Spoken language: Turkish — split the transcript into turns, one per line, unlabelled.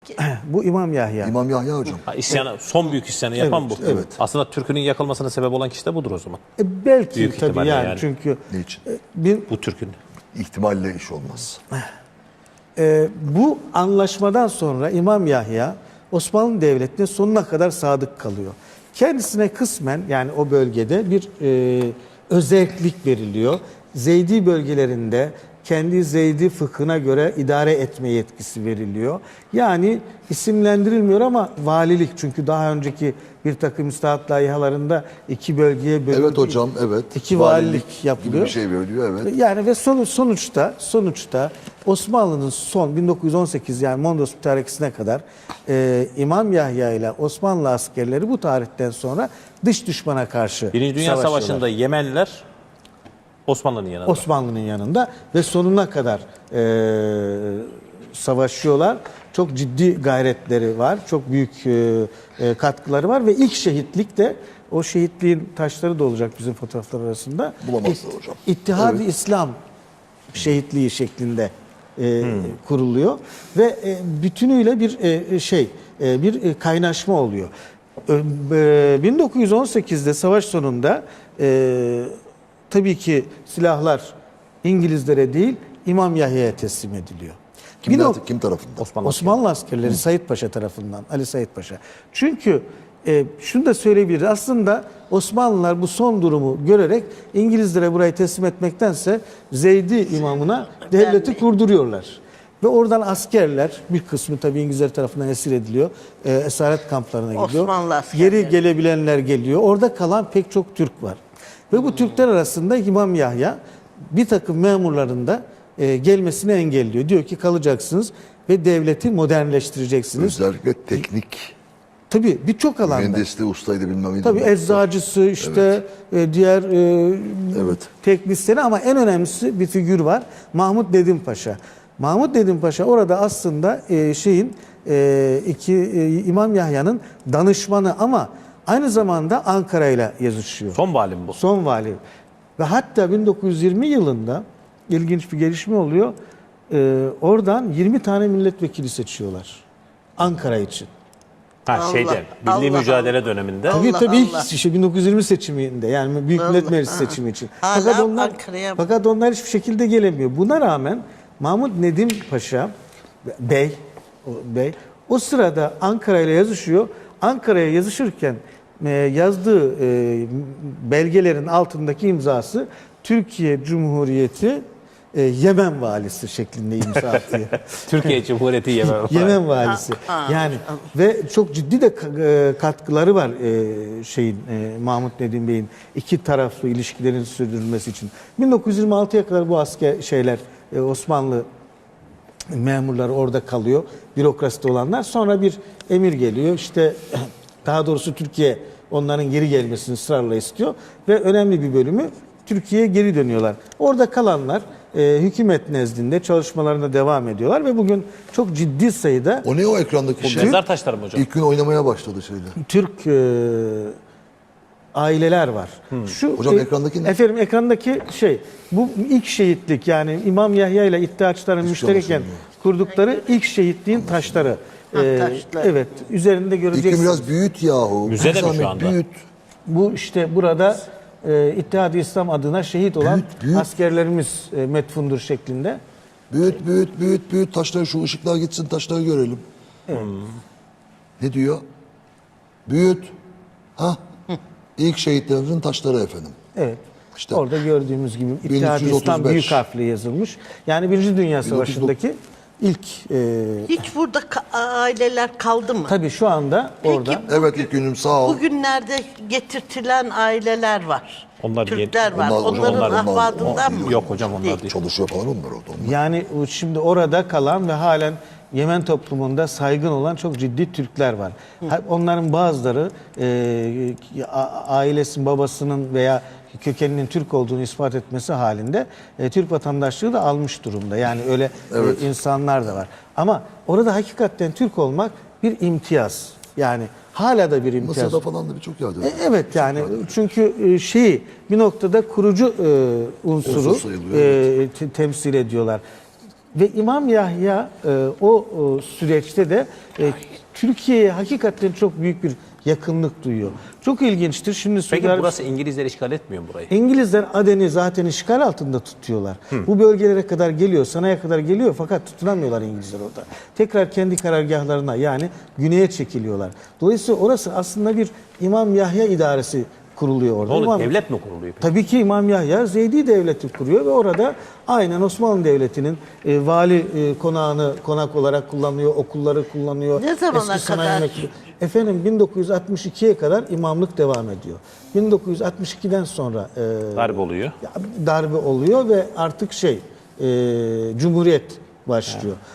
Bu İmam Yahya.
İmam Yahya hocam.
İsyanı, son büyük isyanı yapan bu.
evet.
Aslında Türk'ünün yakılmasına sebep olan kişi de budur o zaman.
Belki
Büyük
tabii
ihtimalle
yani,
yani.
çünkü
Niçin?
Bu Türk'ün.
İhtimalle iş olmaz.
Bu anlaşmadan sonra İmam Yahya Osmanlı Devleti'ne sonuna kadar sadık kalıyor. Kendisine kısmen, yani o bölgede bir özellik veriliyor. Zeydi bölgelerinde kendi Zeydi fıkhına göre idare etme yetkisi veriliyor. Yani isimlendirilmiyor ama valilik, çünkü daha önceki bir takım müstahat layihalarında iki bölgeye bölünüyor.
Evet hocam, evet.
İki valilik yapılıyor.
Gibi bir şey veriliyor, evet.
Yani ve sonuçta Osmanlı'nın son 1918, yani Mondros mütarekesine kadar İmam Yahya ile Osmanlı askerleri bu tarihten sonra dış düşmana karşı
Birinci Dünya
savaşıyorlar.
Savaşı'nda Yemenliler Osmanlı'nın yanında.
Osmanlı'nın yanında ve sonuna kadar savaşıyorlar. Çok ciddi gayretleri var. Çok büyük katkıları var ve ilk şehitlik de, o şehitliğin taşları da olacak bizim fotoğraflar arasında.
Bulamazlar hocam.
İttihad-ı İslam şehitliği şeklinde kuruluyor ve bütünüyle bir kaynaşma oluyor. 1918'de savaş sonunda tabii ki silahlar İngilizlere değil İmam Yahya'ya teslim ediliyor.
Kim tarafından?
Osmanlı askerleri Said Paşa tarafından, Ali Said Paşa. Çünkü şunu da söyleyebiliriz. Aslında Osmanlılar bu son durumu görerek İngilizlere burayı teslim etmektense Zeydi imamına devleti kurduruyorlar. Ve oradan askerler, bir kısmı tabii İngilizler tarafından esir ediliyor. Esaret kamplarına gidiyor.
Osmanlı askerleri.
Geri gelebilenler geliyor. Orada kalan pek çok Türk var. Ve bu Türkler arasında İmam Yahya bir takım memurların da gelmesini engelliyor. Diyor ki kalacaksınız ve devleti modernleştireceksiniz.
Özellikle teknik.
Tabii birçok alanda.
Mühendisliği, ustaydı bilmem neydi.
Tabii eczacısı, işte diğer teknisyeni, ama en önemlisi bir figür var. Mahmud Nedim Paşa. Mahmud Nedim Paşa orada aslında İmam Yahya'nın danışmanı, ama aynı zamanda Ankara ile yazışıyor.
Son vali mi bu?
Son vali. Ve hatta 1920 yılında ilginç bir gelişme oluyor. Oradan 20 tane milletvekili seçiyorlar Ankara için.
Milli
Allah
mücadele döneminde.
Tabii
Allah
tabii
Allah.
işte 1920 seçiminde, yani Büyük Millet Meclisi seçimi için.
Hala
Fakat onlar hiçbir şekilde gelemiyor. Buna rağmen Mahmud Nedim Paşa Bey o sırada Ankara ile yazışıyor. Ankara'ya yazışırken yazdığı belgelerin altındaki imzası Türkiye Cumhuriyeti Yemen valisi şeklinde imza atıyor.
Türkiye Cumhuriyeti Yemen.
Yemen valisi. Yani ve çok ciddi de katkıları var Mahmud Nedim Bey'in iki taraflı ilişkilerin sürdürülmesi için. 1926'ya kadar bu Osmanlı memurları orada kalıyor. Bürokraside olanlar. Sonra bir emir geliyor. İşte daha doğrusu Türkiye onların geri gelmesini ısrarla istiyor ve önemli bir bölümü Türkiye'ye geri dönüyorlar. Orada kalanlar hükümet nezdinde çalışmalarına devam ediyorlar ve bugün çok ciddi sayıda
O ne o ekrandaki şey?
Mezar taşları mı hocam?
İlk gün oynamaya başladı şeyler.
Türk aileler var.
Hocam ekrandaki ne?
Efendim ekrandaki bu ilk şehitlik, yani İmam Yahya ile İttihatçıların müştereken kurdukları ilk şehitliğin taşları.
Taşlar.
Evet, üzerinde
İlk gün
göreceksiniz.
biraz büyüt yahu.
Müzede mi şu
Zahmet,
anda?
Büyüt.
Bu işte burada İttihad-ı İslam adına şehit olan
Büyüt.
askerlerimiz metfundur şeklinde.
Büyüt. Taşları, şu ışıklar gitsin, taşları görelim. Ne diyor? Büyüt. İlk şehitlerimizin taşları efendim.
Evet.
İşte
Orada gördüğümüz gibi İttihad-ı İslam
1335.
büyük harfle yazılmış. Yani Birinci Dünya Savaşı'ndaki ilk
Hiç burada aileler kaldı mı?
tabii şu anda orada.
Evet ilk günüm sağ ol.
Bugünlerde getirtilen aileler var.
Onlar
Türkler var.
Onlar-
Onların
onlar-
ahvadından mı?
Yok hocam, onlar değil.
Çalışıyor falan onlar orada. Onlar.
Yani şimdi orada kalan ve halen Yemen toplumunda saygın olan çok ciddi Türkler var. Onların bazıları ailesinin, babasının veya kökeninin Türk olduğunu ispat etmesi halinde Türk vatandaşlığı da almış durumda. Yani öyle insanlar da var. Ama orada hakikaten Türk olmak bir imtiyaz. Yani hala da bir imtiyaz.
Mısır'da falan da birçok yerde.
Evet yani çünkü bir noktada kurucu unsuru
Unsur sayılıyor,
temsil ediyorlar. Ve İmam Yahya o süreçte de Türkiye'ye hakikaten çok büyük bir yakınlık duyuyor. Çok ilginçtir. Şimdi
Peki
Suudi
burası İngilizler işgal etmiyor mu burayı?
İngilizler Aden'i zaten işgal altında tutuyorlar. Bu bölgelere kadar geliyor, Sana'ya kadar geliyor fakat tutunamıyorlar İngilizler orada. Tekrar kendi karargahlarına yani güneye çekiliyorlar. Dolayısıyla orası aslında bir İmam Yahya idaresi kuruluyor orada.
Ne olur,
İmam-
devlet mi kuruluyor peki?
Tabii ki İmam Yahya Zeydi Devleti kuruyor ve orada aynen Osmanlı Devleti'nin vali konağını konak olarak kullanıyor, okulları kullanıyor.
Ne zamana
eski sanayi
kadar?
merkezi. Efendim 1962'ye kadar imamlık devam ediyor. 1962'den sonra
Darbe oluyor.
darbe oluyor ve artık Cumhuriyet başlıyor.